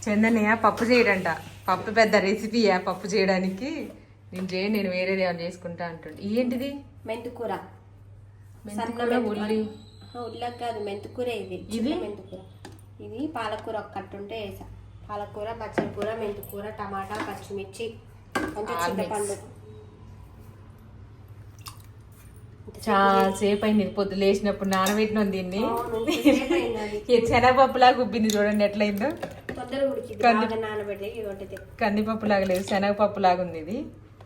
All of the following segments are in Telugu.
చందనయ్య పప్పు చేయడంట. పప్పు పెద్ద రెసిపీయా పప్పు చేయడానికి. నేను వేరేది ఏమైనా చేసుకుంటా అంటుండే. ఏంటిది? మెంతుకూర. ఉల్లకు కాదు, మెంతుకూర. ఇది మెంతుకూర. ఇది పాలకూర ఒక కట్టుంటే వేసా. పాలకూర, బచ్చల కూర, మెంతుకూర, టమాటా, పచ్చిమిర్చి, కొంచెం చింతపండు. చాలా సేపు అయింది. పొద్దు లేచినప్పుడు నానబెట్టినాం దీన్ని. శనగపప్పులాగా ఉబ్బింది చూడండి ఎట్లయిందో. కందిపప్పు లాగా లేదు, శనగపప్పు లాగా ఉంది ఇది.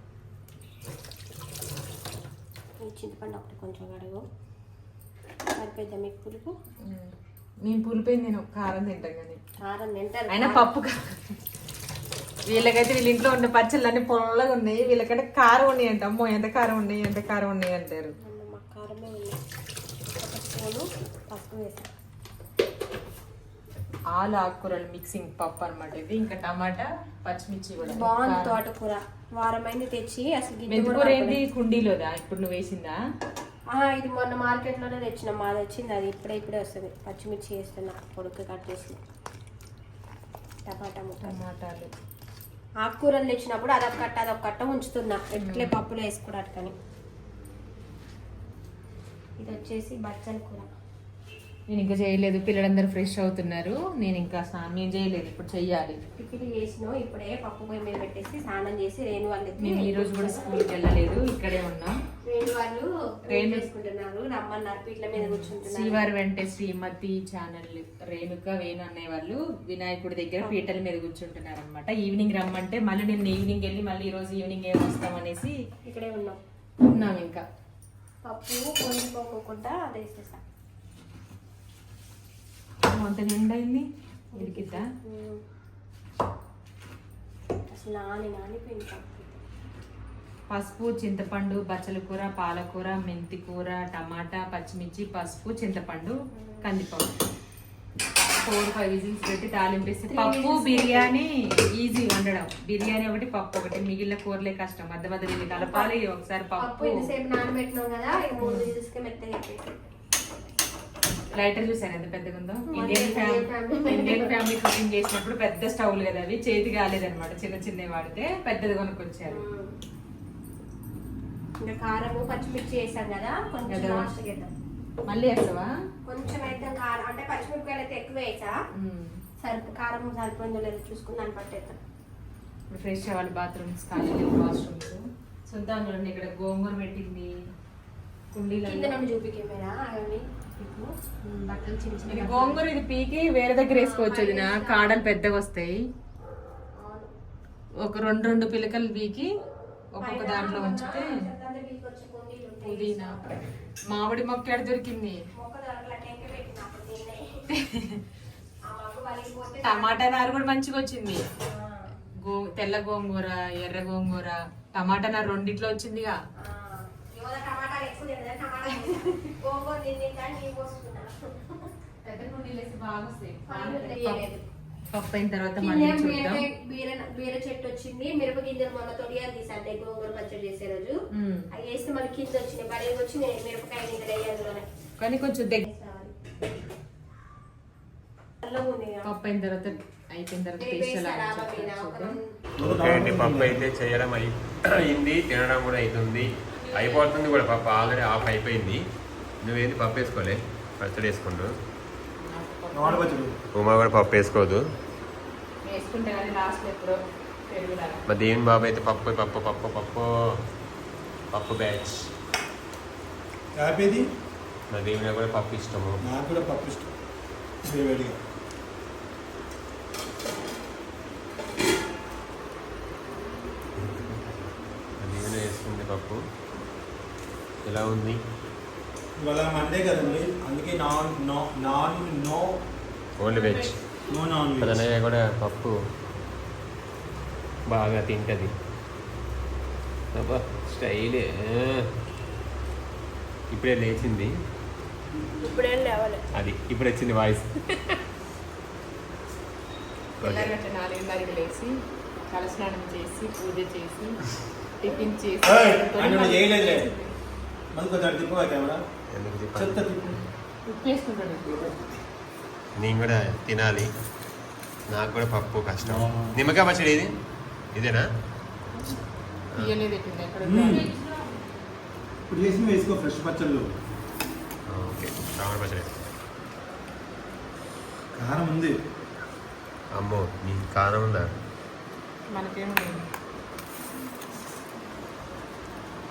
చింతపండు ఒకటి కొంచెం కడుగు. సరిపోద్దా మీకు పులుపు? నేను పులిపోయింది, నేను కారం తింటాను కానీ. కారం తింటారు అయినా పప్పు వీళ్ళకైతే వీళ్ళ ఇంట్లో ఉన్న పచ్చళ్ళు అన్ని పొల్లగా ఉన్నాయి. వీళ్ళకంటే కారం ఉన్నాయి అంట. అమ్మో ఎంత కారం ఉన్నాయి, ఎంత కారం ఉన్నాయి అంటారు. కారమే ఉన్నాయి. ఒక స్పూను పసుపు వేసాను. ఆలు ఆకుకూరలు మిక్సింగ్ పప్పు అనమాట ఇది. ఇంకా టమాటా, పచ్చిమిర్చి కూడా బాగుంది. తోటకూర వారమైంది తెచ్చి. అసలు మెంతికూర ఏంటి కుండీలోదా ఇప్పుడు నువ్వు వేసిందా? ఇది మొన్న మార్కెట్ లోనే తెచ్చిన. మాది వచ్చింది, అది ఇప్పుడే వస్తుంది. పచ్చిమిర్చి వేస్తున్నా, పొడుగు కట్ చేసి. టమాటాలు ఆకుకూరలు తెచ్చినప్పుడు అదొక కట్ట ఉంచుతున్నా ఎట్లే పప్పులో వేసుకోవడానికి అని. ఇది వచ్చేసి బచ్చల కూర. నేను ఇంకా చేయలేదు, పిల్లలందరూ ఫ్రెష్ అవుతున్నారు. నేను ఇంకా స్నానం చేయలేదు, ఇప్పుడు చెయ్యాలి. టిఫిన్ చేసినాం ఇప్పుడే. పప్పు పొయ్యి మీద పెట్టేసి స్నానం చేసి రేణు వాళ్ళు మేము ఈ రోజు కూడా స్కూల్కి వెళ్ళలేదు, ఇక్కడే ఉన్నాం. రేణు వాళ్ళు చేసుకుంటున్నారు, రమ్మన్నారు. పీట్ల మీద కూర్చుంటున్నారు. శ్రీవారి వెంటే శ్రీమతి ఛానల్ రేణుక వేణు అన్నయ్య వాళ్ళు వినాయకుడి దగ్గర పీటల మీద కూర్చుంటున్నారు అనమాట. ఈవినింగ్ రమ్మంటే మళ్ళీ నేను ఈవినింగ్ వెళ్ళి మళ్ళీ ఈ రోజు ఈవినింగ్ ఏం వస్తామనేసి ఇక్కడే ఉన్నాం. ఇంకా పప్పు పొంగిపోకుండా అది వేసేసా. అంత నిండైంది ఉడికిద్దా? అసలు నానిపోయింది. పసుపు, చింతపండు, బచ్చల కూర, పాలకూర, మెంతి కూర, టమాటా, పచ్చిమిర్చి, పసుపు, చింతపండు, కందిపప్పు. 4-5 విజిల్స్ పెట్టి తాలింపేసి. పప్పు బిర్యానీ ఈజీ వండడం. బిర్యానీ ఒకటి, పప్పు ఒకటి. మిగిలిన కూరలే కష్టం. మధ్య మధ్య కలపాలి. ఒకసారి పప్పు ఇంతసేపు నానబెట్టినాం కదా, 3 విజిల్స్కి మెత్తగా. లైటర్ చూసాను ఎంత పెద్దగా ఉందో. ఇండియన్ ఫ్యామిలీ కుకింగ్ చేసినప్పుడు పెద్ద స్టవ్లు కదా అవి, చేతి కాలేదన్నమాట. చిన్నవి వాడితే పెద్దది కొనుక్కొచ్చారు. ఇంకా కారము, పచ్చిమిర్చి వేసాం కదా, కొంచెం లాస్ట్ వేద్దాం. మళ్ళీ వేస్తావా? కొంచెం అయితే కారం అంటే పచ్చిమిరపకాయలు అయితే ఎక్కువ వేసా. కారం సరిపోయిందో లేదో చూసుకుని దాన్ని పట్టేద్దాం. ఇప్పుడు ఫ్రెష్ అవ్వాలి. బాత్రూమ్స్ ఖాళీ వాష్రూమ్స్. చూద్దాం చూడండి, ఇక్కడ గోంగూర పెట్టింది కుండీలో. చూపికేమేనా అవన్నీ బట్టలు చిన్న చిన్న గోంగూర. ఇది పీకి వేరే దగ్గర వేసుకోవచ్చు. అది కాడలు పెద్దగా వస్తాయి. ఒక 2 పిలకలు పీకి ఒక్కొక్క దాంట్లో ఉంచితే. పుదీనా, మామిడి మొక్క ఎడ దొరికింది. టమాటా నారు కూడా మంచిగా వచ్చింది. తెల్ల గోంగూర, ఎర్ర గోంగూర, టమాటా నారు రెండిట్లో వచ్చిందిగా. పప్పు అయిన తర్వాత బీర చెట్టు వచ్చింది. మిరప గింజలు మొన్న తొడియాలు తీసాంటే గోంగూర పచ్చడి చేసే రోజు అవి వేస్తే మళ్ళీ కింద వచ్చినాయి. బడే వచ్చి మిరపకాయ గింజలు వేయాలి కానీ కొంచెం దగ్గర. పప్పు అయిన తర్వాత అయిపోయిన తర్వాత పప్పు అయితే చేయడం అయింది, తినడం కూడా అవుతుంది, అయిపోతుంది కూడా. పప్పు ఆల్రెడీ ఆఫ్ అయిపోయింది. నువ్వేంది పప్పు వేసుకోలే? పచ్చడి వేసుకుంటూ. ఉమా కూడా పప్పు వేసుకోదు. మా దేవుని బాబు అయితే పప్పు పప్పు పప్పు పప్పు పప్పు బ్యాచ్. మా దేవుని కూడా పప్పు ఇష్టము. నాకు కూడా పప్పు ఇష్టం. దేవుని వేసుకుంది పప్పు. ఎలా ఉంది? ఇవాళ మండే కదండి, అందుకే no only veg. No non veg. అదనయ్య కూడా పప్పు బాగా తింటుంది. అబ్బా స్టైలే. ఇప్పుడే లేచింది. అది ఇప్పుడు వచ్చింది వాయిస్. 4:30 లేచి తలస్నానం చేసి పూజ చేసి టిఫిన్ చేసి నేను కూడా తినాలి. నాకు కూడా పప్పు కష్టం. నిమ్మకాయ పచ్చడి ఏది? ఇదేనా? తీయలేదు ఎట్టింది ఎక్కడ ఇప్పుడు చేసి వేసుకో ఫ్రెష్ పచ్చళ్ళు. ఓకే, టమాటా పచ్చడి. కారం ఉంది. అమ్మో, నీ కారం ఉందా? మనకేం లేదు.